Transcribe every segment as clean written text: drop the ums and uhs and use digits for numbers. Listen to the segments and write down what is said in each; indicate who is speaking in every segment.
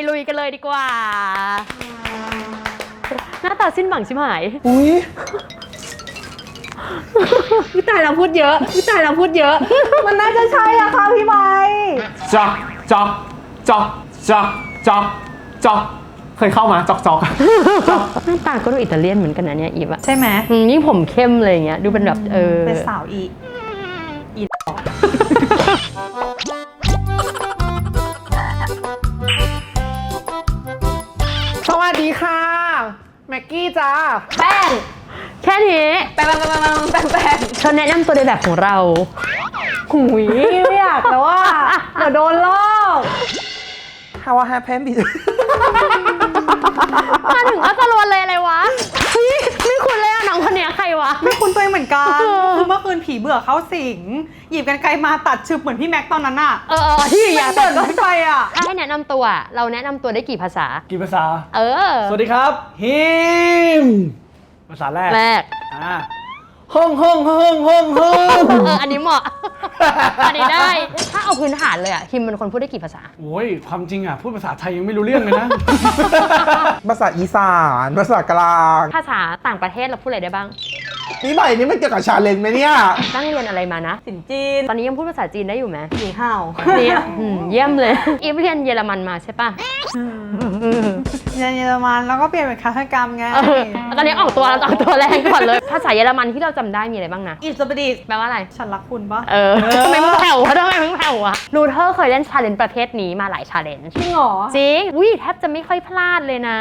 Speaker 1: ลุยกันเลยดีกว่าหน้าตาสิ้นหวังชิบหาย
Speaker 2: อุ้ย
Speaker 3: พี่ตายเราพูดเยอะพี่ตายเราพูดเยอะ มันน่าจะใช่อะค่ะพี่ใบ
Speaker 2: จอกจอกจอกจอกจอกจอกเคยเข้ามาจอกจอก
Speaker 1: หน้าตาก็ดูอิตาเลียนเหมือนกันนะเนี่ยอีฟอะ
Speaker 3: ใช่ไหม
Speaker 1: ยิ่งผมเข้มเลยอย่างเงี้ยดูเป็นแบบ
Speaker 3: เป็นสาวอี
Speaker 2: สวัสดีค่ะแม็กกี้จ้า
Speaker 1: แป้งแค่นี้
Speaker 3: แป้ง
Speaker 1: เธอแนะนำตัวในแบบของเรา
Speaker 3: หุยไม่อยากแต่ว่าเดี๋ยวโดนลอก
Speaker 2: How I happen
Speaker 1: มาถึงก็จะรวนเลยอะไรวะเฮ้ยไม่คุ้นเลยอะน้องคนเนี้ยใครวะ
Speaker 3: ไม่คุ้นตัวเองเหมือนกันคือเมื่อคืนผีเบื่อเข้าสิงหยิบกันไกลมาตัดชึบเหมือนพี่แม็กตอนนั้นอะ
Speaker 1: ที่อยาก
Speaker 3: เดินรถไฟอะ
Speaker 1: ถ้าให้แนะนำตัวเราแนะนำตัวได้กี่ภาษา
Speaker 2: สวัสดีครับฮิมภาษาแรกห้อง
Speaker 1: อันนี้เหมาะอันนี้ได้ถ้าเอาพื้นฐานเลยอะฮิมเป็นคนพูดได้กี่ภาษา
Speaker 2: โอ้ยความจริงอะพูดภาษาไทยยังไม่รู้เรื่องเลยนะ
Speaker 4: ภาษาอีสานภาษากลาง
Speaker 1: ภาษาต่างประเทศเราพูดอะไรได้บ้าง
Speaker 4: นี่ใหม่นี่มันเกี่ยวกับชาเลนจ์ไหมเนี่ย
Speaker 1: ตั้งเรียนอะไรมานะ
Speaker 3: สินจีน
Speaker 1: ตอนนี้ยังพูดภาษาจีนได้อยู่ไหม
Speaker 3: หนีห่าว
Speaker 1: เนี่ยเยี่ยมเลยอีฟเรียนเยอรมันมาใช่ปะ
Speaker 3: เรียนเยอรมันแล้วก็เปลี่ยนเป็นคาถกรรมไง
Speaker 1: ตอนนี้ออกตัวแรงก่อนเลยภาษาเยอรมันที่เราจำได้มีอะไรบ้างนะ
Speaker 3: อิสบดี
Speaker 1: แปลว่าอะไร
Speaker 3: ฉันรักคุณปะ
Speaker 1: ทำไมมึงแผ่วะรูเทอร์เคยเล่นชาเลนจ์ประเภทนี้มาหลายชาเลนจ์
Speaker 3: จริงเหรอ
Speaker 1: จริงแทบจะไม่ค่อยพลาดเลยนะ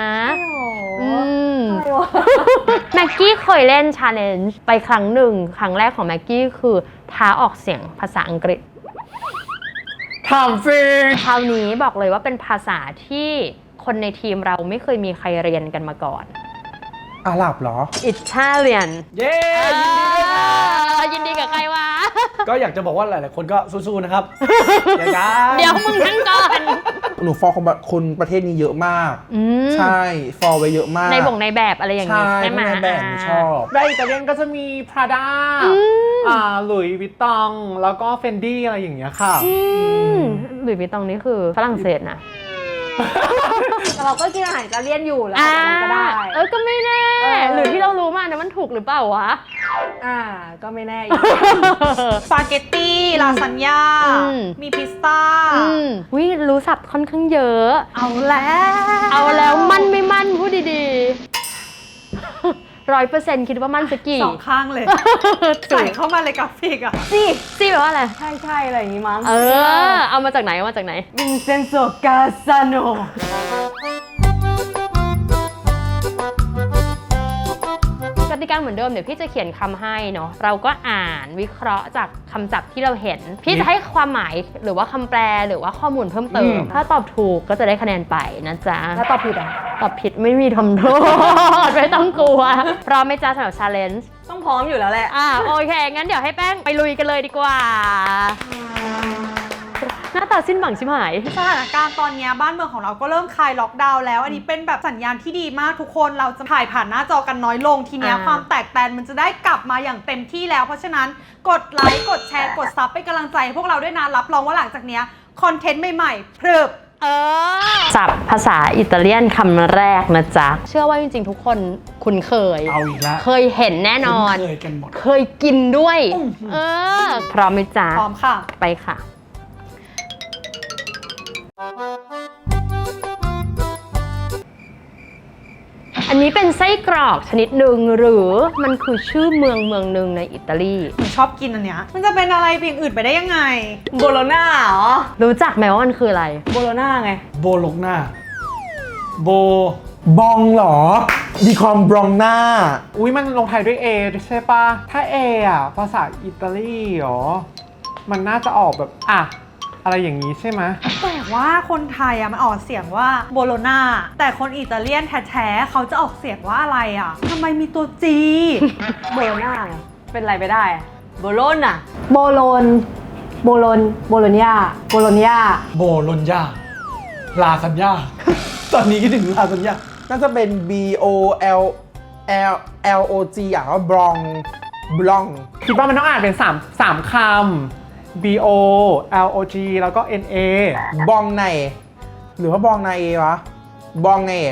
Speaker 1: แม็กกี้เคยเล่นชาเลนจ์ไปครั้งหนึ่งครั้งแรกของแม็กกี้คือท้าออกเสียงภาษาอังกฤษ
Speaker 2: ถามฟรี
Speaker 1: คราวนี้บอกเลยว่าเป็นภาษาที่คนในทีมเราไม่เคยมีใครเรียนกันมาก่อน
Speaker 4: อาหรับเหรอ
Speaker 1: Italian
Speaker 2: เย้
Speaker 1: ยินดีกับใครวะ
Speaker 2: ก็อยากจะบอกว่าหลายๆคนก็สู้ๆนะครับ
Speaker 1: เดี๋ยวมึงทั้งก่อน
Speaker 4: หนูฟอลคนประเทศนี้เยอะมากใช่ฟอลไว้เยอะมาก
Speaker 1: ในแบบอะไรอย่างนี้ใช่ไหม
Speaker 4: ในแบบชอบ
Speaker 2: ในอิตาเลียนก็จะมี Prada หลุยส์วิตตองแล้วก็ Fendi อะไรอย่างเงี้ยค่ะ
Speaker 1: หลุยส์วิตตองนี่คือฝรั่งเศสนะ
Speaker 3: แต่เราก็กินอาหารอิตาเลียนอยู่แล้วก็ได้
Speaker 1: ก็ไม่แน่หรือที่เรารู้มาเนี่ยมันถูกหรือเปล่าวะ
Speaker 3: ก็ไม่แน่สปาเกตตี้ลาซานญ่ามีพิซซ่า
Speaker 1: รู้ศัพท์ค่อนข้างเยอะ
Speaker 3: เอาแล้ว
Speaker 1: มันไม่มั่นพูดดีๆ100%คิดว่ามั่นสักกี่
Speaker 3: 2ข้างเลยใส่เข้ามาเลยกราฟิกอะ
Speaker 1: ซี่แปลว่าอะไร
Speaker 3: ใช่อะไรอย่างงี้มั้ง
Speaker 1: เอามาจากไหน
Speaker 3: วินเซนโซกาซาโน
Speaker 1: กติกาเหมือนเดิมเดี๋ยวพี่จะเขียนคำให้เนาะเราก็อ่านวิเคราะห์จากคำศัพท์ที่เราเห็นพี่จะให้ความหมายหรือว่าคำแปลหรือว่าข้อมูลเพิ่มเติมถ้าตอบถูกก็จะได้คะแนนไปนะจ๊ะ
Speaker 3: ถ้าตอบผิด
Speaker 1: ตอบผิดไม่มีทำโทษไม่ต้องกลัวพร้อมไหมจ๊ะสำหรับ challenge
Speaker 3: ต้องพร้อมอยู่แล้วแหละ
Speaker 1: โอเคงั้นเดี๋ยวให้แป้งไปลุยกันเลยดีกว่าหน้าตาสิ้นหวังชิบหาย
Speaker 3: สถานการณ์ตอนนี้บ้านเมืองของเราก็เริ่มคลายล็อกดาวน์แล้วอันนี้เป็นแบบสัญญาณที่ดีมากทุกคนเราจะถ่ายผ่านหน้าจอกันน้อยลงทีเนี้ยความแตกแตนมันจะได้กลับมาอย่างเต็มที่แล้วเพราะฉะนั้นกดไลค์กดแชร์กดซับเป็นกำลังใจให้พวกเราด้วยนะรับรองว่าหลังจากเนี้ยคอนเทนต์ใหม่ๆพรึบ
Speaker 1: ศัพท์ภาษาอิตาเลียนคำแรกนะจ๊ะเชื่อว่าจริงๆทุกคนคุ้นเคย
Speaker 2: เอาอีกแล้ว
Speaker 1: เคยเห็นแน่นอน
Speaker 2: เคยกันหมด
Speaker 1: เคยกินด้วยพร้อมไหมจ๊ะ
Speaker 3: พร้อมค่ะ
Speaker 1: ไปค่ะอันนี้เป็นไส้กรอกชนิดหนึ่งหรือมันคือชื่อเมืองหนึ่งในอิตาลี
Speaker 3: ชอบกินอันเนี้ยมันจะเป็นอะไรเป็นอย่างอื่นไปได้ยังไงโบโลน่าเหรอ
Speaker 1: รู้จักไหมว่ามันคืออะไร
Speaker 3: โบโลน่าไง
Speaker 2: โบโลน่า
Speaker 4: บองเหรอดีคอมบรองน่า
Speaker 2: มันลงท้ายด้วย A ใช่ปะถ้า A ภาษาอิตาลีเหรอมันน่าจะออกแบบอะไรอย่างนี้ใช่ไหม
Speaker 3: แต่ว่าคนไทยมันออกเสียงว่าโบโลนาแต่คนอิตาเลียนแท้ๆเขาจะออกเสียงว่าอะไรทำไมมีตัวจี
Speaker 1: โบโลนาเป็นอะไรไปได้โบโลน
Speaker 3: โบโลญโบโลญญา
Speaker 2: ลาซานญ่าตอนนี้คิดถึงลาซานญ่า
Speaker 4: น่าจะเป็น BOLLOG ว่าบลอง
Speaker 2: คิดว่ามันต้องอ่านเป็น3คำBOLOG แล้วก็NA
Speaker 4: บองในหรือว่าบองนาเอวะ บองเอ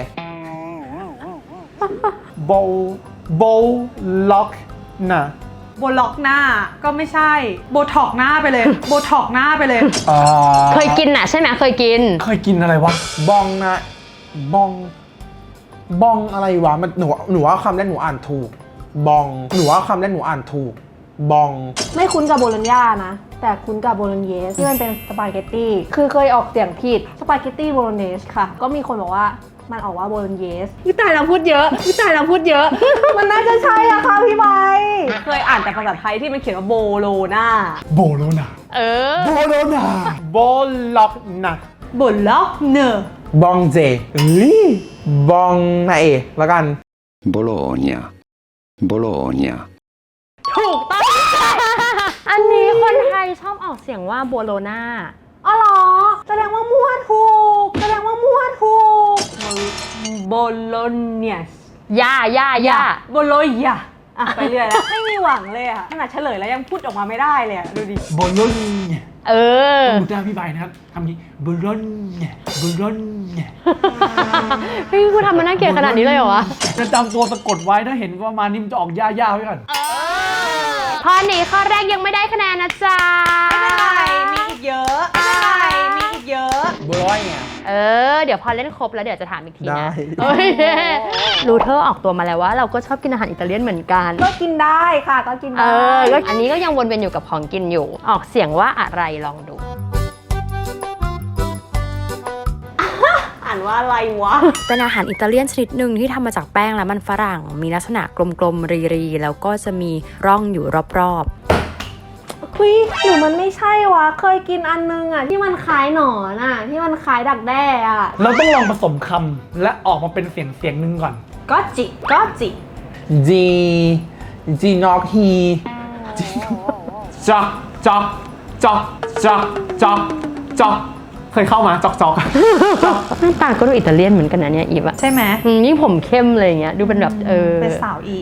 Speaker 2: โบล็อกนะ
Speaker 3: โบล็อกหน้าก็ไม่ใช่โบท็อกหน้าไปเลย โบท็อกหน้าไปเลย
Speaker 1: เคยกินน่ะใช่ไหมเคยกิน
Speaker 2: เคยกินอะไรวะ
Speaker 4: บองนะบอง บองอะไรวะ มันหนูว่าคำแรกหนูอ่านถูก บอง หนูว่าคำแรกหนูอ่านถูก บอง
Speaker 5: ไม่คุ้นกับโบโลญญานะ แต่คุ้นกับโบโลญเยสที่มันเป็นสปาเกตตี้คือเคยออกเสียงผิดสปาเกตตี้โบโลเนสค่ะ ก็มีคนบอกว่ามันออกว่าโบโลญเยสวิตายเราพูดเยอะวิตายเราพูดเยอะ มันน่าจะใช่อะค่ะพี่ใบเคยอ่านแต่ภาษาไทยที่มันเขียนว่าโบโลนา
Speaker 2: โบโลนา
Speaker 1: เออ
Speaker 2: โบโลนาโบล็อกนะ
Speaker 3: โบล็อกเนอร์
Speaker 4: บองเจเอ้ยบองนาเอแล้วกัน
Speaker 6: Bologna, Bologna.
Speaker 1: ถูกต้อง อันนี้คนไทยชอบออกเสียงว่าโบโลนา
Speaker 5: อ๋อเหรอแสดงว่ามั่วถูกแสดงว่ามั่วถูกโบโลเนส
Speaker 1: ย่า
Speaker 5: โบโลยาอ่ะไปเรื่อยแล้ว ไม่มีหวังเลยอะขนาดเฉลยแล้วยังพูดออกมาไม่ได้เลยอะดูดิ
Speaker 2: โบโลญญา
Speaker 1: เออ
Speaker 2: ดูหน้าพี่ใบนะครับคำนี้โบโลญญาโบโลญญา
Speaker 1: พี่คุณทำมันน่าเกลียดขนาดนี้เลยเหรอวะ
Speaker 2: จะจำตัวสะกดไว้ถ้าเห็นว่ามานี่มันจะออกย่าๆไว้ก่อน
Speaker 1: ข้อนี้ข้อแรกยังไม่ได้คะแนนนะจ๊ะ
Speaker 3: ไม่เป็นไรมีอีกเยอะไม่เป็นไรมีอีกเยอะ
Speaker 4: บร้อยเนี่ย
Speaker 1: เออ เดี๋ยวพอเล่นครบแล้วเดี๋ยวจะถามอีกที
Speaker 4: ได้
Speaker 1: นะเอ้ยรูเทอร์ออกตัวมาแล้วว่าเราก็ชอบกินอาหารอิตาเลียนเหมือนกัน
Speaker 5: ก็กินได้ค่ะก็กิน
Speaker 1: เอ
Speaker 5: ได้
Speaker 1: อก็อันนี้ก็ยังวนเวียนอยู่กับของกินอยู่ ออกเสียงว่าอะไรลองดู
Speaker 5: อ่านว่าอะไรวะ
Speaker 1: เป็นอาหารอิตาเลียนชนิดหนึ่งที่ทำมาจากแป้งและมันฝรั่ง มีลักษณะกลมๆรีๆแล้วก็จะมีร่องอยู่รอบ
Speaker 5: คุยหรือมันไม่ใช่วะ เคยกินอันนึงอ่ะที่มันคล้ายหนอนอ่ะที่มันคล้ายดักแด้อ่ะ
Speaker 2: เราต้องลองผสมคำและออกมาเป็นเสียงหนึ่งก่อน
Speaker 3: ก็จิก็จิ
Speaker 4: จีนอกฮี
Speaker 2: จอกจอกจอกจอกจอกจอกเคยเข้ามาจอกจอก
Speaker 1: ๆหน้าตาก็ดูอิตาเลียนเหมือนกันนะเนี่ยอีฟอะ
Speaker 3: ใช่ไหม
Speaker 1: ยิ่งผมเข้มเลยอย่างเงี้ยดูเป็นแบบ
Speaker 3: เป็นสาวอี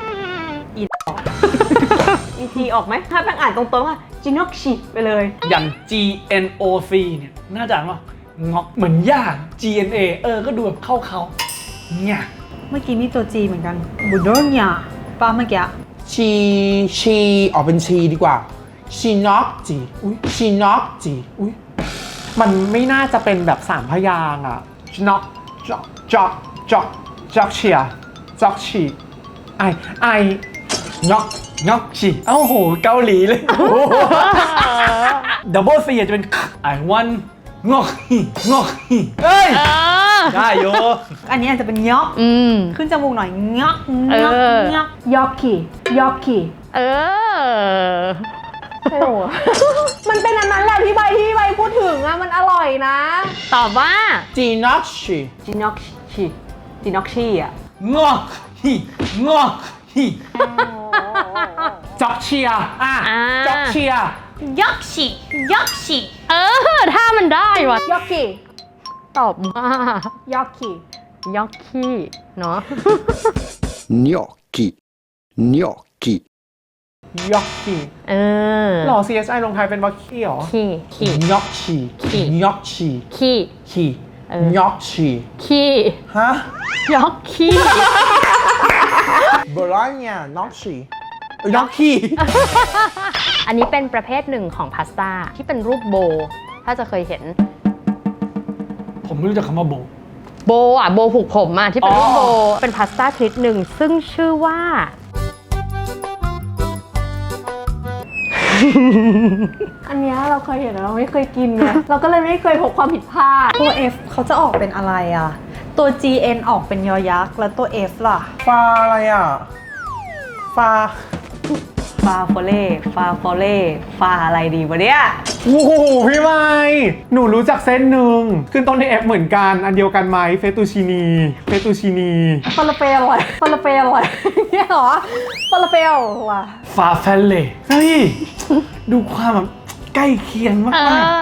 Speaker 5: อีทีออกไหมถ้าแป้งอ่านตรงๆว่าจินอกชิไปเลย
Speaker 2: อย่าง GNOC เนี่ยน่าจะอ่านว่างอกเหมือนย่า GNA ก็ดูแบบเข้าเนี่ย
Speaker 3: เมื่อกี้มีตัวจีเหมือนกันบูโดเนียป้าเมื่อกี้
Speaker 4: ชีออกเป็นชีดีกว่าชีนอกจีอุ้ยชีนอกจีอุ้ย
Speaker 2: มันไม่น่าจะเป็นแบบสามพยางค์อ่ะจอกจอกจอกจอกจอกเชียจอกชีไองอกชีเอ้าโหเกาหลีเลยดับเบิลซีจะเป็นไอวันงอกฮีเอ้ยได้โย
Speaker 3: อันนี้อาจจะเป็นยอก ขึ้นจมูกหน่อยยอกยอกยอก
Speaker 5: ยอกคียอกคี
Speaker 1: เออ
Speaker 5: ใช่หรอ มันเป็นอันนั้นแหละที่ใบพูดถึงอ่ะมันอร่อยนะ
Speaker 1: ตอบว่า
Speaker 4: จีนอกชี
Speaker 5: จินอกชีอ่ะ
Speaker 2: งอกฮีจอกเชียจอกเชีย
Speaker 3: ยอกชิยอกชิ
Speaker 1: เออ ถ้ามันได้วะ
Speaker 5: ยอกคี
Speaker 1: ตอบว่าย
Speaker 5: อกคี
Speaker 1: ยอกขี้เนาะ
Speaker 6: Gnocchi, gnocchi.
Speaker 2: ยอกชี
Speaker 1: เออ
Speaker 2: หล่อ CSI ลงท้ายเป็นวอคกี้หรอ
Speaker 1: ขี้
Speaker 4: ยอกชี
Speaker 1: ขี้
Speaker 4: ยอกชี
Speaker 1: ขี้
Speaker 4: คี
Speaker 1: เออ
Speaker 4: ยอกชี
Speaker 1: ขี้
Speaker 4: ฮะ
Speaker 1: ยอกขี้
Speaker 4: บร้อยเนี่ยนอกชียอกคี
Speaker 1: อันนี้เป็นประเภทหนึ่งของพาสต้าที่เป็นรูปโบ ถ้าจะเคยเห็น
Speaker 2: ผมไม่รู้จักคำว่าโบ
Speaker 1: โบผูกผมที่เป็นรูปโบ เป็นพาสต้าชนิดหนึ่งซึ่งชื่อว่า
Speaker 5: อันเนี้ยเราเคยเห็นแต่เราไม่เคยกินไง เราก็เลยไม่เคยพบความผิดพลาด
Speaker 3: ตัว F เขาจะออกเป็นอะไรอ่ะ ตัว GN ออกเป็นยอยักษ์แล้วตัว F ล่ะ
Speaker 4: ฟาอะไรอ่ะฟา
Speaker 5: ฟาโฟเล่ฟาอะไรดีวะเนี่ย
Speaker 2: โอ้โหพี่ไม้หนูรู้จักเส้นหนึ่งขึ้นต้นด้วย F เหมือนกัน อันเดียวกันไหมเฟตูชินี
Speaker 5: ฟาลาเปลอะไรเนี่ยเหรอฟาลาเปลว่ะ
Speaker 2: ฟาเฟลเล่เฮ้ย ดูความแบบใกล้เคียงมา
Speaker 1: เอก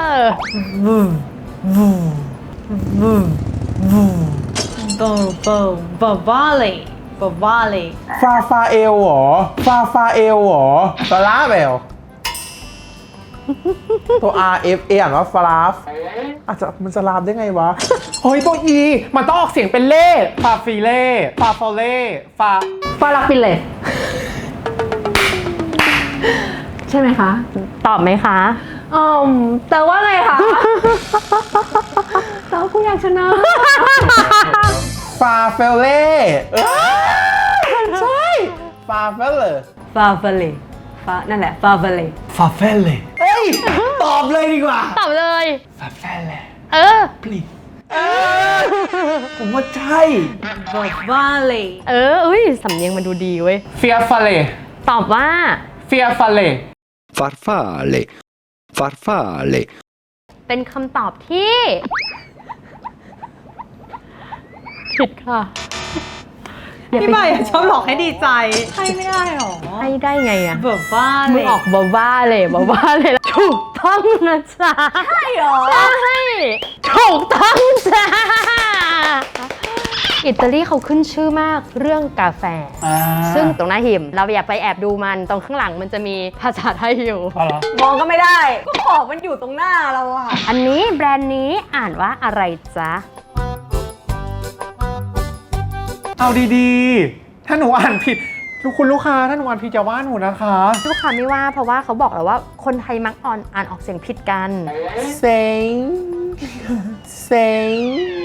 Speaker 1: อ
Speaker 3: บาเล่
Speaker 4: ฟาเอลเหรอฟาเอลเหรอฟาลาเบลตัว R F A อ่านว่าฟลาฟอาจจะมันจะลาบได้ไงวะ
Speaker 2: เฮ้ยตัว E มันต้องออกเสียงเป็นเล่ฟาฟิเล่ฟาโฟเล่ฟา
Speaker 5: ฟาลักฟิเลใช่ไหมคะ
Speaker 1: ตอบไหมคะ
Speaker 5: แต่ว่าไงคะ แต่ว่าคุณอยากชนะ
Speaker 4: ฟาเฟลเล่ใช่ฟาเฟลเล
Speaker 5: ฟาเฟเลนั่นแหละ ฟาเฟเล
Speaker 2: ฟาเฟลเล่
Speaker 4: เอ้ย ตอบเลยดีกว่า
Speaker 1: ตอบเลย
Speaker 2: ฟาเฟลเล่
Speaker 1: เออ
Speaker 2: please ผมว่าใช่
Speaker 3: วาเล
Speaker 1: อุ้ยสำเนียงมันดูดีเว้ย
Speaker 2: เฟียฟาเล่
Speaker 1: ตอบว่า
Speaker 2: เฟียฟาเล่
Speaker 6: farfalle, farfalle,
Speaker 1: เป็นคำตอบที่ ผิดค่ะ
Speaker 3: พี่ใบชอบหลอกให้ดีใจให้ไม่ได้หรอ
Speaker 1: ให้ได้ไงอะ
Speaker 3: แบบว่า
Speaker 1: มึ
Speaker 3: เล
Speaker 1: ง
Speaker 3: ย
Speaker 1: ออกบ้าๆเลยบ้าๆเลยถูกต้องนะจ๊ะ
Speaker 3: ใช่หรอ
Speaker 1: ใช่ถูกต้องจ้าอิตาลีเขาขึ้นชื่อมากเรื่องกาแฟ ซึ่งตรงหน้าหิมเราอย่าไปแอบดูมันตรงข้างหลังมันจะมีภาษาไทยอยู่
Speaker 2: เอาเหรอ
Speaker 5: มองก็ไม่ได้ ก็ขอบมันอยู่ตรงหน้าเราอะ
Speaker 1: อันนี้แบรนด์นี้อ่านว่าอะไรจ๊ะ
Speaker 2: เอาดีๆ ถ้าหนูอ่านผิดคุณลูกค้าถ้าหนูอ่านผิดจะว่าหนูนะคะ
Speaker 1: ลูกค้าไม่ว่าเพราะว่าเขาบอกแล้วว่าคนไทยมักอ่านออกเสียงผิดกัน
Speaker 4: เซ็งเซ็ง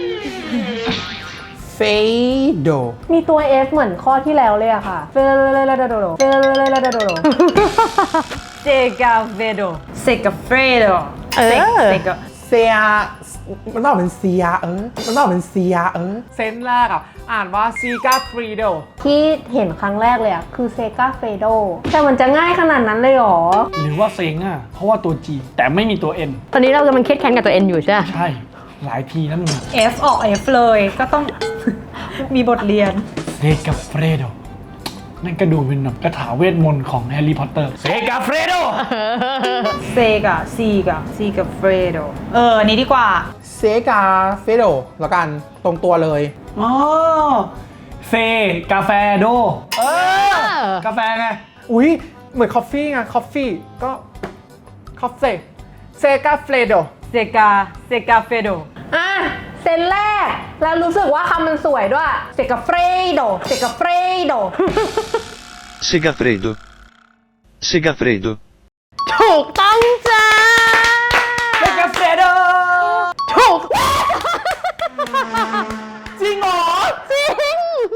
Speaker 4: เฟโด
Speaker 5: มีตัว F เหมือนข้อที่แล้วเลยอะค่ะ เฟเลเลโดโดเฟเลเลโดโดเจกาเวโด
Speaker 3: เซกาเฟรโด
Speaker 1: เออ
Speaker 3: เซกา
Speaker 4: เซียมันต้องเป็นเซียมันต้องเป็นเซีย
Speaker 2: เซนส์แรกอ่านว่าซีกาฟรีโด
Speaker 5: ที่เห็นครั้งแรกเลยอะคือเซกาเฟโดแต่มันจะง่ายขนาดนั้นเลยเหรอ
Speaker 7: หรือว่าเซ็งเพราะว่าตัว G แต่ไม่มีตัว N
Speaker 1: ตอนนี้เรากำลังเครียดแค้นกับตัวเองอยู่ใช่ไหม
Speaker 7: ใช่ หลายทีนะมึง
Speaker 3: F ออก F เลยก็ต้อง มีบทเรียน
Speaker 7: เซกาเฟรโดนั่นก็ดูเป็นแบบคาถาเวทมนต์ของแฮร์รี่พอตเตอร์เซกาเฟรโด
Speaker 3: เซกาซีกาเฟรโดอันนี้ดีกว่า
Speaker 4: เซกาเฟโดแล้วกันตรงตัวเลย
Speaker 7: อ๋อเซกาแฟโดกาแฟไง
Speaker 2: อุ๊ย เหมือนคอฟฟี่ไงคอฟฟี่ก็คอฟเซ่เซกาเฟรโด
Speaker 3: เซกาเฟโด
Speaker 5: อ่ะเซนแรก แล้วรู้สึกว่าคำมันสวยด้วยเซกาเฟรโดเซกาเฟรโด
Speaker 6: segafredo, segafredo,
Speaker 1: ถูกต้องจ้า
Speaker 2: เซกาเฟรโด
Speaker 1: ถูก
Speaker 2: จริงเหรอ
Speaker 1: จริง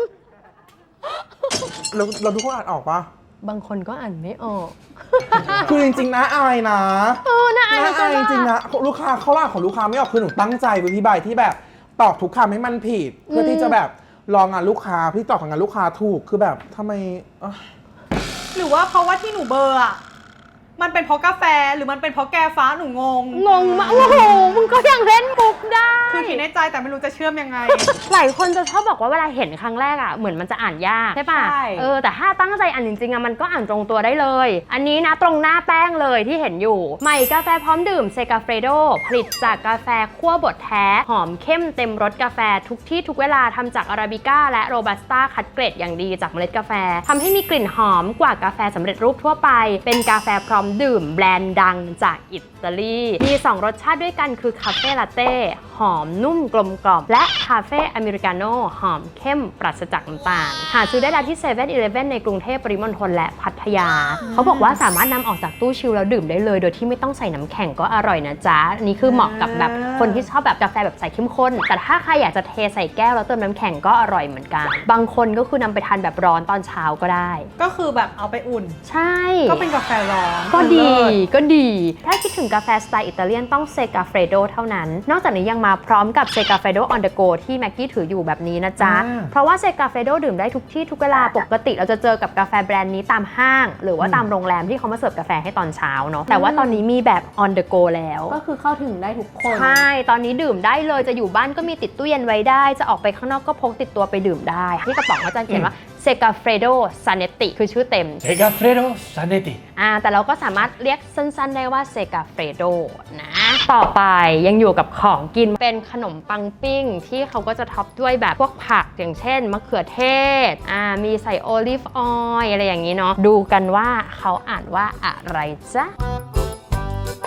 Speaker 4: เราทุกคนอ่านออกปะ
Speaker 1: บางคนก็อ่านไม่ออก
Speaker 4: คือจริงๆนะอายนะ
Speaker 1: น่าอาย
Speaker 4: น่าอายจริงๆนะลูกค้าเขาล่าของลูกค้าไม่ออกคือหนูตั้งใจไปพี่ใบที่แบบตอบทุกคำให้มันผิด เพื่อที่จะแบบรองงานลูกค้าพี่ตอบกับงานลูกค้าถูกคือแบบทำไม
Speaker 3: หรือว่าเพราะว่าที่หนูเบอร์อะมันเป็นเพราะกาแฟหรือมันเป็นเพราะแกฟ้าหนูงง
Speaker 1: งงมากโอ้โหมึงก็ยังเล่นมุกได้
Speaker 3: คือคิดในใจแต่ไม่รู้จะเชื่อมยังไง
Speaker 1: หลายคนจะชอบบอกว่าเวลาเห็นครั้งแรกเหมือนมันจะอ่านยากใช่ป่ะ
Speaker 3: ใช่
Speaker 1: แต่ถ้าตั้งใจอ่านจริงๆมันก็อ่านตรงตัวได้เลย อันนี้นะตรงหน้าแป้งเลยที่เห็นอยู่ใหม่กาแฟพร้อมดื่มเซกาเฟรโดผลิตจากกาแฟคั่วบดแท้หอมเข้มเต็มรสกาแฟทุกที่ทุกเวลาทำจากอาราบิก้าและโรบัสต้าคัดเกรดอย่างดีจากเมล็ดกาแฟทำให้มีกลิ่นหอมกว่ากาแฟสำเร็จรูปทั่วไปเป็นกาแฟพร้อมดื่มแบรนด์ดังจากอิตาลีมี 2 รสชาติด้วยกันคือคาเฟ่ลาเต้หอมนุ่มกลมกล่อมและคาเฟ่อเมริกาโน่หอมเข้มปราศจากน้ำตาลหาซื้อได้แล้วที่7 e เ e ่ e ในกรุงเทพปริมณฑลและพัทยา เขาบอกว่าสามารถนำออกจากตู้ชิลแล้วดื่มได้เลยโดยที่ไม่ต้องใส่น้ำแข็งก็อร่อยนะจ๊ะอันนี้คือเหมาะกับแบบคนที่ชอบแบบกาแฟแบบใส่เข้มข้นแต่ถ้าใครอยากจะเทใส่แก้วแล้วเติมน้ำแข็งก็อร่อยเหมือนกันบางคนก็คือนำไปทานแบบร้อนตอนเช้าก็ได้
Speaker 3: ก็คือแบบเอาไปอุ่น
Speaker 1: ใช่
Speaker 3: ก็เป็นกาแฟร้อน
Speaker 1: ก็ดี
Speaker 3: เลิศ
Speaker 1: ก็ดี ถ้าคิดถึงกาแฟสไตล์อิตาเลียนต้องเซกาเฟรโดเท่านั้น นอกจากนี้ยังมาพร้อมกับเซกาเฟรโดออนเดอะโกที่แม็กกี้ถืออยู่แบบนี้นะจ๊ะ เพราะว่าเซกาเฟรโดดื่มได้ทุกที่ทุกเวลาปกติเราจะเจอกับกาแฟแบรนด์นี้ตามห้าง หรือว่าตามโรงแรมที่เขามาเสิร์ฟกาแฟให้ตอนเช้าเนาะแต่ว่าตอนนี้มีแบบออนเดอะโกแล้ว
Speaker 5: ก็คือเข้าถึงได้ทุกคน
Speaker 1: ใช่ ตอนนี้ดื่มได้เลย จะอยู่บ้านก็มีติดตู้เย็นไว้ได้ จะออกไปข้างนอกก็พกติดตัวไปดื่มได้ที่กระป๋องเขาจะเขียนว่าเซกาเฟรโดซาเนติคือชื่อเต็ม
Speaker 7: เซกาเฟรโดซาเนติ
Speaker 1: แต่เราก็สามารถเรียกสั้นๆได้ว่าเซกาเฟรโดนะ ต่อไปยังอยู่กับของกินเป็นขนมปังปิ้งที่เขาก็จะท็อปด้วยแบบพวกผักอย่างเช่นมะเขือเทศมีใส่โอลิฟออยล์อะไรอย่างนี้เนาะดูกันว่าเขาอ่านว่าอะไรจ๊ะ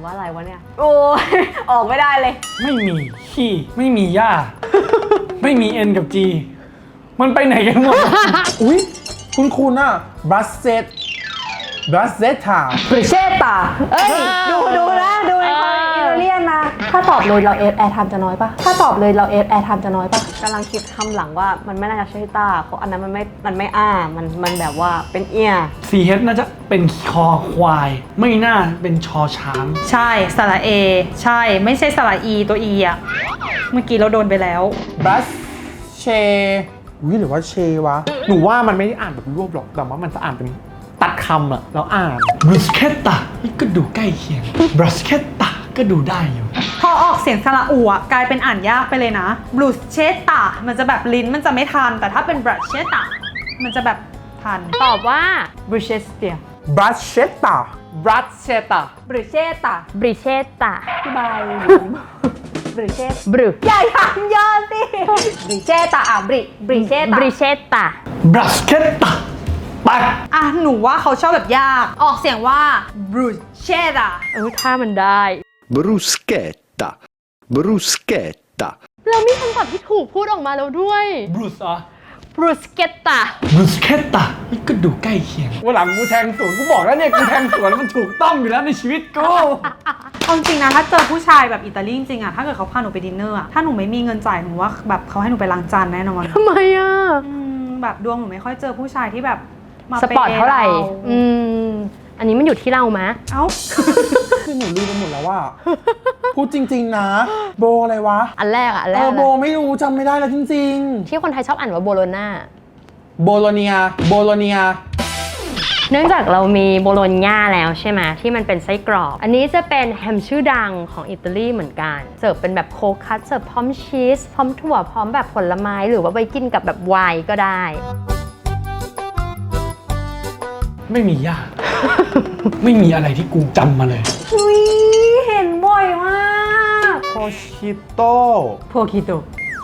Speaker 5: ว่าอะไรวะเนี่ย โอ้ย ออกไม่ได้เลย
Speaker 7: ไม่มีขี้ไม่มีหญ้า ไม่มี N กับ G มันไปไหนกันหมด
Speaker 4: อุ๊ย คุณอะบัสเซตบัสเซตา
Speaker 5: บริเชตตาเอ้ย ดูนะดูในคอมอิตาเลียนนะ ถ้าตอบเลยเราแอร์ไทม์จะน้อยปะถ้าตอบเลยเราแอร์ไทม์จะน้อยปะกำลังคิดคำหลังว่ามันไม่น่าจะใช่ตาเพราะอันนั้นมันไม่มันแบบว่าเป็นเอีย
Speaker 7: CH น่าจะเป็นคอควาย ไม่น่าเป็นชอช้าง
Speaker 3: ใช่สระเอใช่ไม่ใช่สระอีตัวอีอะเมื่อกี้เราโดนไปแล้ว
Speaker 4: บัสเชอุ๊ยหรือว่าเชวะ
Speaker 2: หนูว่ามันไม่ได้อ่านแบบรวบหรอกแต่ว่ามันจะอ่านเป็นตัดคำอะแล้วอ่าน
Speaker 7: bruschetta นี่ก็ดูใกล้เคียง bruschetta ก็ดูได้อยู่
Speaker 3: พอออกเสียงสระอูอะกลายเป็นอ่านยากไปเลยนะบลูเชตตามันจะแบบลิ้นมันจะไม่ทัน แต่ถ้าเป็นบรัชเชตตามันจะแบบทัน
Speaker 1: ตอบว่า
Speaker 5: บริเชสเตีย
Speaker 4: บัสเชตา
Speaker 2: รัสเชตา
Speaker 5: บริเชตตา
Speaker 1: บริเชตตา
Speaker 5: พี่บายบริเชต
Speaker 1: บรู
Speaker 5: อย่าถามเยอะสิบริเชตตาบริเชต
Speaker 1: บ
Speaker 5: ตา
Speaker 1: ริเชตตา
Speaker 7: bruschetta ไป
Speaker 3: อ่ะหนูว่าเขาชอบแบบยาก ออกเสียงว่าบรูเชตตา
Speaker 1: ถ้ามันได้
Speaker 6: bruschetta, bruschetta,
Speaker 1: เรามีคำตอบที่ถูกพูดออกมาแล้วด้วย
Speaker 7: bruce อ่ะ
Speaker 1: บรูสเกตตา
Speaker 7: bruschetta นี่ก็ดูใกล้เคียงวันหลังกูแทงสวนกูบอกแล้วเนี่ยกูแทงสวนมันถูกต้องอยู่แล้วในชีวิตกู
Speaker 3: เอาจริงนะถ้าเจอผู้ชายแบบอิตาลีจริงๆอะถ้าเกิดเขาพาหนูไปดินเนอร์อะถ้าหนูไม่มีเงินจ่ายหนูว่าแบบเขาให้หนูไปล้างจานแน่นอน
Speaker 1: ทำไมอ่ะ
Speaker 3: แบบดวงหนูไม่ค่อยเจอผู้ชายที่แบบมา
Speaker 1: สปอร์ตเท่าไหร่
Speaker 3: อืม
Speaker 1: อันนี้มันอยู่ที่เรามะ
Speaker 3: เอ้า
Speaker 4: คือหนูลืมไปหมดแล้วว่าพูดจริงๆนะ โบอะไรวะ
Speaker 1: อันแรกอะอันแร
Speaker 4: เอก อ
Speaker 1: อะ
Speaker 4: โบไม่รู้จำไม่ได้แล้วจริง
Speaker 1: ที่คนไทยชอบอ่านว่าโบโลนา
Speaker 4: ๆ โบโลเนีย โบโลเนีย
Speaker 1: เนื่องจากเรามีโบโลญญาแล้วใช่ไหมที่มันเป็นไส้กรอก อันนี้จะเป็นแฮมชื่อดังของอิตาลีเหมือนกัน เสิร์ฟเป็นแบบโคคัสเสิร์ฟพร้อมชีส พร้อมถั่ว พร้อมแบบผลไม้ หรือว่าไปกินกับแบบไวน์ก็ได้
Speaker 7: ไม่มีหญ้า ไม่มีอะไรที่กูจำมาเลย
Speaker 5: อุ้ยเห็นบ่อยมาก
Speaker 2: โคชิโต
Speaker 5: โพคิโต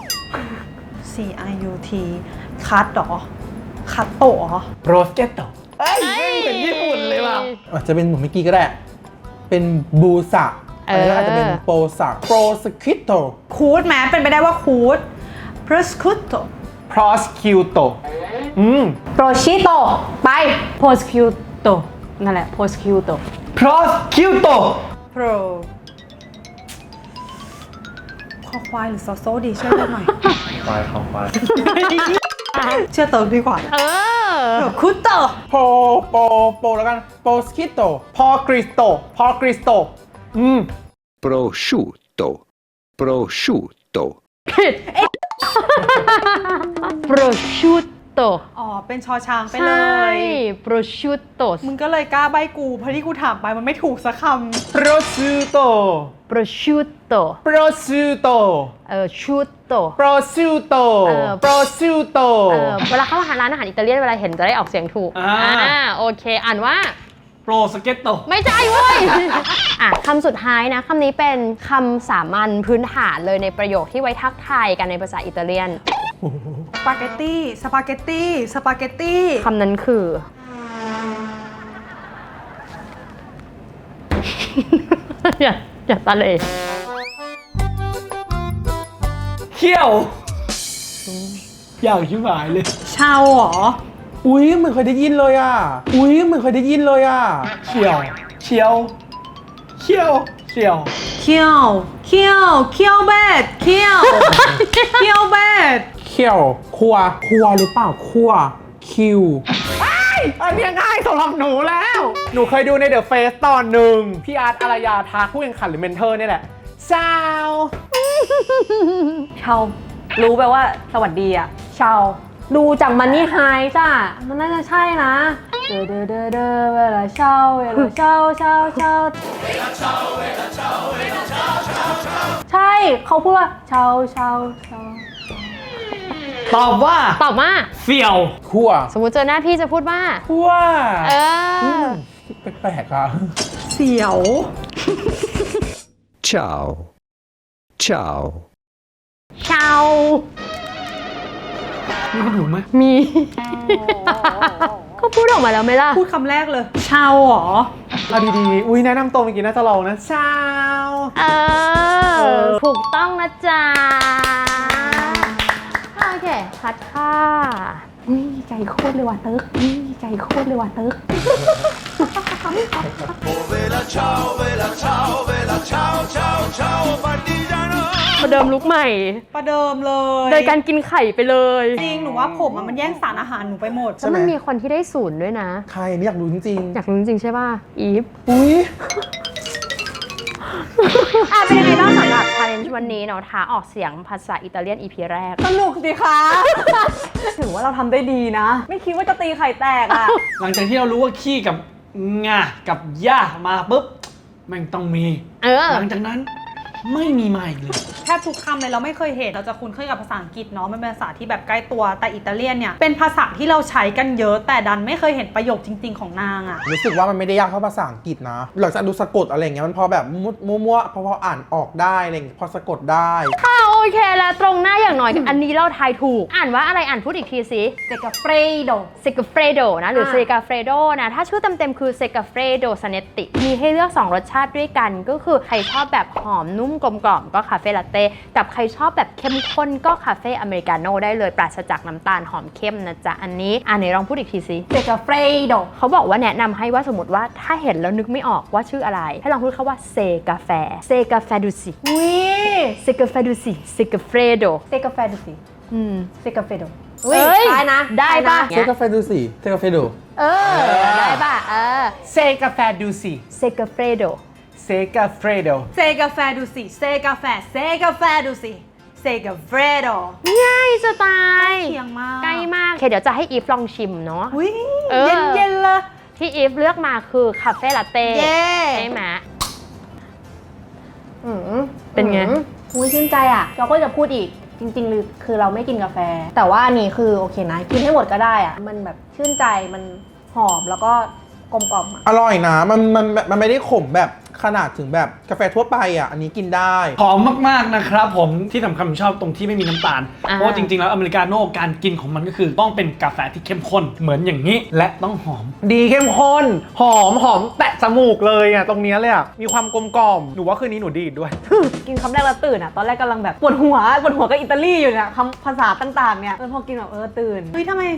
Speaker 3: CIUT คัตหรอ คัตโตะเหรอ
Speaker 7: bruschetta เอ้ยไม่เหมือนญี่ปุ่นเลยว่ะ
Speaker 4: อาจจะเป็นเหมือนเมื่อกี้ก็ได้ เป็นบูสะอันนี้ก็อาจจะเป็นโปสะโปรสคิโต
Speaker 3: คูดแม้เป็นไปได้ว่าคูด prosciutto
Speaker 2: prosciutto
Speaker 5: โปรชิโตไปโพสคิวโตนั่นแหละโพสคิวโต
Speaker 7: prosciutto
Speaker 3: pro คอควายหรือซอโซดีช่วยกันหน่อย
Speaker 2: ควายของควาย
Speaker 3: เชื่อเติมดีกว่า คุตโต
Speaker 4: โปแล้วกันโปสคิโต
Speaker 2: พอคริสโต พอคริสโต
Speaker 6: prosciutto, prosciutto,
Speaker 1: ผิด prosciutto
Speaker 3: อ๋อ เป็นชอช้างไป
Speaker 1: ใช่
Speaker 3: เลย
Speaker 1: prosciutto
Speaker 3: มึงก็เลยกล้าใบกู เพราะที่กูถามไปมันไม่ถูกสักค
Speaker 2: prosciutto
Speaker 1: prosciutto
Speaker 2: prosciutto
Speaker 1: ciutto
Speaker 2: prosciutto prosciutto
Speaker 1: เวลาเข้าร้านอาหารอิตาเลียนเวลาเห็นจะได้ออกเสียงถูก โอเค อ่านว่า
Speaker 7: bruschetta
Speaker 1: ไม่ใช่เว้ย คำสุดท้ายนะ คำนี้เป็นคำสามัญพื้นฐานเลยในประโยคที่ไว้ทักทายกันในภาษาอิตาเลียน
Speaker 3: ำสปาเกตตี้ สปาเกตตี้ สปาเกตตี้
Speaker 1: คำนั้นคือ อย่าตะเลย
Speaker 7: เขี้ยว อยากชิบหายเลย
Speaker 3: ชาวเหรอ
Speaker 4: อุ๊ยเหมือนเคยได้ยินเลยอ่ะ อุ๊ยเหมือนเคยได้ยินเลยอ่ะ
Speaker 7: เขี้ยวเชียวเขี้ยวเชียว
Speaker 3: เคี้ยว เคี้ยว เคี้ยวเบดเคี้ยว เคี้ยวเบด
Speaker 4: เคี่ยวครัวหรือเปล่าครัวคิว
Speaker 2: อันเนี้ยง่ายสำหรับหนูแล้ว หนูเคยดูใน The Face ตอนหนึ่งพี่อาร์ตอารยาทักผู้แข่งขันหรือเมนเทอร์นี่แหละเช้า
Speaker 5: เชารู้ไปว่าสวัสดีอะเชาดูจากมันนี่ไฮจ้ะมันน่าจะใช่นะเดอเวลาเชาใช่เขาพูดว่าเชา
Speaker 7: ตอบว่า
Speaker 1: ตอบว่า
Speaker 7: เสี่ยว
Speaker 4: ครัว
Speaker 1: สมมุติเจอหน้าพี่จะพูดว่า
Speaker 4: ครัว
Speaker 1: เออ
Speaker 4: แปลกๆอ่ะ
Speaker 3: เสียว
Speaker 6: ciao, ciao.
Speaker 1: ชาว
Speaker 7: มีคนถูกไหม
Speaker 1: มี ก็พูดออกมาแล้วไหมล่ะ
Speaker 3: พูดคำแรกเลย ชาวเหรอ
Speaker 2: เอาดีๆ อุ้ยแนะนำตัวเมื่อกี้น่าจะลองนะชาว
Speaker 1: ถูกต้องนะจ๊ะ โอเคพัดค่ะ
Speaker 5: อุ้ยใจโคตรเลยว่ะเติร์กอุ้ยใจโคตรเลยว่ะเติร์ก
Speaker 1: ประเดิมลุกใหม่
Speaker 3: ประเดิมเลย
Speaker 1: โดยการกินไข่ไปเลย
Speaker 3: จริงหนูว่าผมอะมันแย่งสารอาหารหนูไปหมด
Speaker 1: แล้วมันมีคนที่ได้ศูนย์ด้วยนะ
Speaker 4: ใครไม่อยากรู้จริง
Speaker 1: อยากรู้จริงๆใช่ป่ะ อีฟ
Speaker 4: ๆอุ้ย
Speaker 1: เป็นยังไงบ้างสำหรับ challenge วันนี้เนาะท้าออกเสียงภาษาอิตาเลียน EP แรก
Speaker 5: สนุกสิคะ ถือว่าเราทำได้ดีนะ ไม่คิดว่าจะตีไข่แตกอ่ะ
Speaker 7: หลังจากที่เรารู้ว่าขี้กับงากับย่ามาปุ๊บแม่งต้องมี หลังจากนั้นไม่มีมาอีกเลย
Speaker 3: แทบทุกคำเลยเราไม่เคยเห็นเราจะคุ้นเคยกับภาษาอังกฤษเนาะมันเป็นภาษาที่แบบใกล้ตัวแต่อิตาเลียนเนี่ยเป็นภาษาที่เราใช้กันเยอะแต่ดันไม่เคยเห็นประโยคจริง ๆของนางอะ
Speaker 4: รู้สึกว่ามันไม่ได้ยากเท่าภาษาอังกฤษนะหลังจากดูสะกดอะไรอย่างเงี้ยมันพอแบบมั่วๆพออ่านออกได้อะไรอย่างเงี้ยพอสะกดได้
Speaker 1: โอเคแล้วตรงหน้าอย่างหน่อย อันนี้เราทายถูก อ่านว่าอะไรอ่านพูดอีกทีสิ
Speaker 5: เซกาเฟรโด
Speaker 1: เซกาเฟรโดนะหรือเซกาเฟรโดนะถ้าชื่อเต็มๆคือเซกาเฟรโดซาเนตติมีให้เลือก 2 รสชาติด้วยกัน ก็คือใครชอบแบบหอมนุ่มกลมกล่อมก็คาเฟ่ลาเต้กับใครชอบแบบเข้มข้นก็คาเฟ่อเมริกาโน่ได้เลยปราศจากน้ำตาลหอมเข้มนะจ๊ะอันนี้ไหนลองพูดอีกทีสิ
Speaker 5: เซกาเฟรโด
Speaker 1: เขาบอกว่าแนะนำให้ว่าสมมติว่าถ้าเห็นแล้วนึกไม่ออกว่าชื่ออะไร ให้ลองพูดคำว่าเซกาแฟเซกาแฟดูสิ
Speaker 5: อุ้ย
Speaker 1: เซกาแฟดูสิเซกาเฟรโด
Speaker 5: เซกาแฟดูสิ เซกาเฟโด
Speaker 1: เอ้ย
Speaker 5: ได้นะ
Speaker 1: ได้ปะ
Speaker 4: เทคกาแฟดูสิเทคกาแฟดู
Speaker 1: ได้ป่ะ
Speaker 2: เซกาแฟดูสิ
Speaker 1: เซกาเฟรโด
Speaker 2: เซกาเฟรโด
Speaker 3: เซกาแฟดูสิเซกาแฟดูสิเซกาเฟรโด
Speaker 1: ง่ายจะตาย
Speaker 3: เคียงมาก
Speaker 1: ใกล้มากโอเคเดี๋ยวจะให้อีฟลองชิมเนาะ
Speaker 3: อุ้ย
Speaker 1: เออ
Speaker 3: เย็นๆเลย
Speaker 1: ที่อีฟเลือกมาคือคาเฟ่ลาเต้
Speaker 3: เย้
Speaker 1: ใช่ไหม
Speaker 5: อืม
Speaker 1: เป็นไง
Speaker 5: อุ้ยชื่นใจอ่ะ เราก็จะพูดอีก จริงๆคือเราไม่กินกาแฟ แต่ว่าอันนี้คือโอเคนะ กินให้หมดก็ได้อ่ะ มันแบบชื่นใจ มันหอมแล้วก็กลมกล่อมอ่ะ
Speaker 4: อร่อยนะมันไม่ได้ขมแบบขนาดถึงแบบกาแฟทั่วไปอ่ะอันนี้กินได้
Speaker 7: หอมมากๆนะครับผมที่สำคัญผมชอบตรงที่ไม่มีน้ำตาล เพราะว่าจริงๆแล้วอเมริกาโน่การกินของมันก็คือต้องเป็นกาแฟที่เข้มข้นเหมือนอย่างนี้ และต้องหอม
Speaker 2: ดีเข้มข้น หอมแตะจมูกเลยอ่ะตรงเนี้ยเลยอ่ะมีความกลมกล่อมหนูว่าคืนนี้หนูดีดด้วย
Speaker 5: กินคำแรกแล้วตื่นอ่ะ ตอนแรกกำลังแบบปวดหัวกับอิตาลีอยู่เนี่ยคำภาษาต่างๆเนี่ยพอกินแบบตื่น
Speaker 3: เฮ้ยทำไม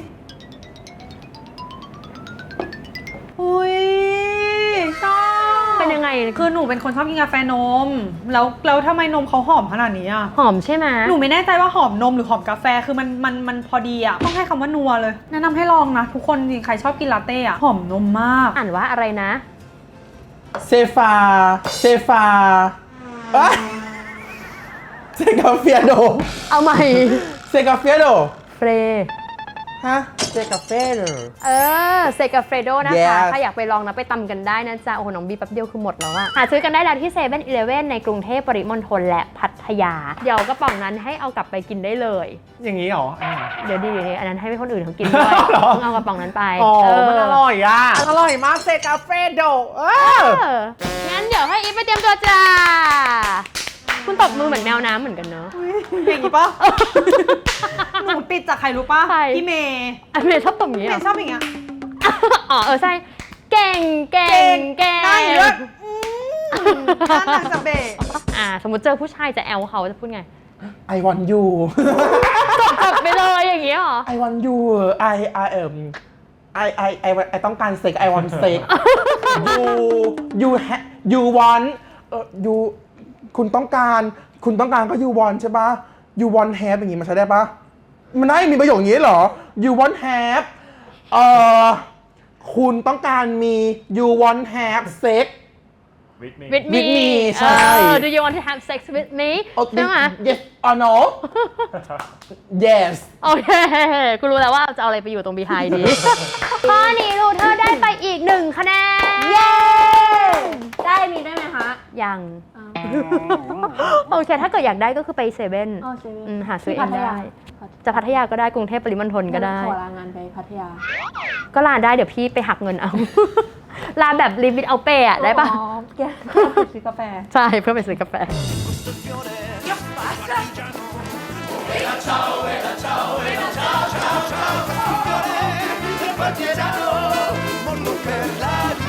Speaker 3: อุ้ยชอบ
Speaker 1: เป็นยังไง
Speaker 3: คือหนูเป็นคนชอบกินกาแฟนมแล้วทำไมนมเขาหอมขนาดนี้อ่ะ
Speaker 1: หอมใช่ไหม
Speaker 3: หนูไม่แน่ใจว่าหอมนมหรือหอมกาแฟคือมันพอดีอ่ะต้องให้คำว่านัวเลยแนะนำให้ลองนะทุกคนจริงใครชอบกินลาเต้อ่ะหอมนมมาก
Speaker 1: อ่านว่าอะไรนะ
Speaker 4: เซฟาเซกาเฟียโด
Speaker 1: เอาใหม่
Speaker 4: เซกาเฟียโด
Speaker 1: เฟร
Speaker 4: ฮะเซกาเฟียโด
Speaker 1: เซกาเฟรโดนะคะ
Speaker 4: Yes
Speaker 1: ถ้าอยากไปลองนะไปตำกันได้นะจ๊ะ โอ้โห น้องบีแป๊บเดียวคือหมดแล้วอะหาซื้อกันได้แล้วที่เซเว่นอีเลฟเว่นในกรุงเทพปริมณฑลและพัทยา เดี๋ยวกระป๋องนั้นให้เอากลับไปกินได้เลย
Speaker 2: อย่างนี้เหรออันนี้เหรอ
Speaker 1: เดี๋ยวดีอันนั้นให้คนอื่นเขากินด้วย
Speaker 2: เหรอ
Speaker 1: ต้องเอากระป๋องนั้นไป
Speaker 2: อ๋อ
Speaker 1: เ
Speaker 2: มันอร่อยอ่ะอร่อยมากเซกาเฟรโด
Speaker 1: งั้นเดี๋ยวให้อีฟไปเตรียมตัวจ้า คุณตบมือเหมือนแมวน้ำเหมือนกันเนอะ
Speaker 3: อย่างนี้ปะ หนูติดจากใครรู้ปะ
Speaker 1: ใคร
Speaker 3: พี่เมย์
Speaker 1: อันเมย์ชอบตบอย่างนี้
Speaker 3: เม
Speaker 1: เหรอ
Speaker 3: ย์ชอบอย่างเงี้ย
Speaker 1: อ๋อใช่ เก่ง
Speaker 3: ได้เยอะท่านางจะเบะ
Speaker 1: สมมติเจอผู้ชายจะแอลเขาจะพูดไง
Speaker 4: I want you
Speaker 1: กดไปเลยอย่างนี้เหรอ
Speaker 4: I want you I ต้องการเซ็ก I want sex you want you คุณต้องการก็ you want ใช่ปะ you want have อย่างงี้มันใช้ได้ปะมันได้มีประโยคอย่างงี้เหรอ you want have คุณต้องการมี you want have sex
Speaker 1: with me
Speaker 4: me ใช่
Speaker 1: Do you want to have sex with me ใช่ไหม
Speaker 4: yes or no yes
Speaker 1: โอเคกูรู้แล้วว่าจะเอาอะไรไปอยู่ตรง behind ดี ข้อนี้ลูเธอได้ไปอีก1 คะแนน
Speaker 5: เย้ ได้มีได้ไหมคะ
Speaker 1: ยัง โอเค ถ้าเกิดอยากได้ก็คือไปเซเว่น
Speaker 5: อ๋อเซเว่น
Speaker 1: หาซื้อเอ
Speaker 5: พั
Speaker 1: ง
Speaker 5: ทยา
Speaker 1: ได้ จะพัทยาก็ได้กรุงเทพปริมณฑลก็ได้
Speaker 5: ขอลางานไปพัทยา
Speaker 1: ก็ลาได้เดี๋ยวพี่ไปหักเงินเอา ลาแบบลิมิตเอาเปย์อะได้ปะ
Speaker 5: อ๋อแกไปซื้อกาแฟ
Speaker 1: ใช่เพื่อไปซื้อกาแฟ
Speaker 8: partigiano, mondo per la